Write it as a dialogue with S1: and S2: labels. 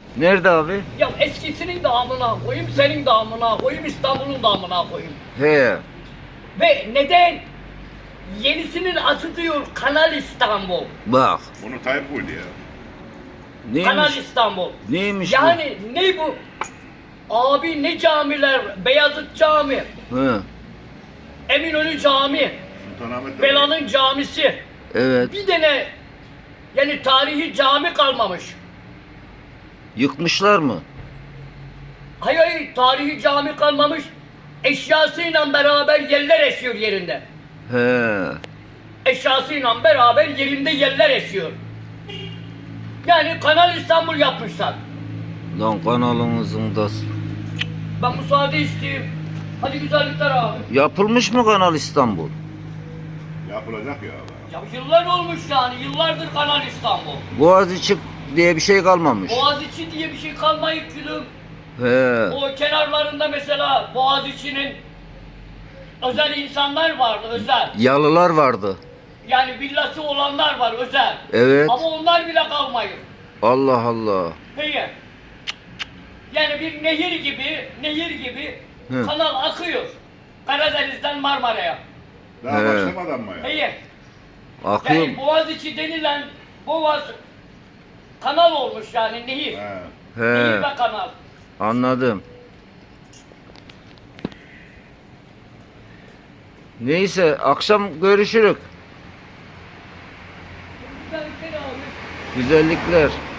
S1: Nerede abi?
S2: Ya eskisinin de amına koyayım, senin de amına koyayım, İstanbul'un da amına koyayım.
S1: He.
S2: Ve neden? Yenisinin adı diyor Kanal İstanbul.
S1: Bak.
S3: Onu Tayyip koydu ya.
S2: Kanal
S1: Neymiş?
S2: İstanbul.
S1: Neymiş
S2: Yani ne bu? Abi ne camiler? Beyazıt Cami,
S1: bu? He.
S2: Eminönü Cami,
S3: Sultanahmet de
S2: Bela'nın camisi.
S1: Evet.
S2: Bir tane yani tarihi cami kalmamış.
S1: Yıkmışlar mı?
S2: Hayır hayır, tarihi cami kalmamış. Eşyasıyla beraber yerler esiyor yerinde.
S1: He.
S2: Eşyasıyla beraber yerinde yerler esiyor. Yani Kanal İstanbul yapmışlar.
S1: Lan kanalımızın da...
S2: Ben müsaade isteyeyim. Hadi güzellikler abi.
S1: Yapılmış mı Kanal İstanbul?
S3: yapılacak ya. Abi.
S2: Ya yıllar olmuş yani. Yıllardır Kanal İstanbul.
S1: Boğaziçi diye bir şey kalmamış.
S2: Boğaziçi diye bir şey kalmayıp gülüm.
S1: He.
S2: O kenarlarında mesela Boğaziçi'nin özel insanlar vardı, özel.
S1: Yalılar vardı.
S2: Yani villası olanlar var, özel.
S1: Evet.
S2: Ama onlar bile kalmayır.
S1: Allah Allah.
S2: Peki. Yani bir nehir gibi
S1: Hı.
S2: kanal akıyor. Karadeniz'den Marmara'ya.
S3: Daha
S1: He.
S3: başlamadan mı ya?
S2: Peki.
S1: Akıyor.
S2: Yani Boğaziçi denilen Boğaz kanal olmuş yani nehir.
S3: He.
S2: Nehir
S1: He.
S2: ve kanal.
S1: Anladım. Neyse akşam görüşürük.
S2: Güzellikler abi.
S1: Güzellikler.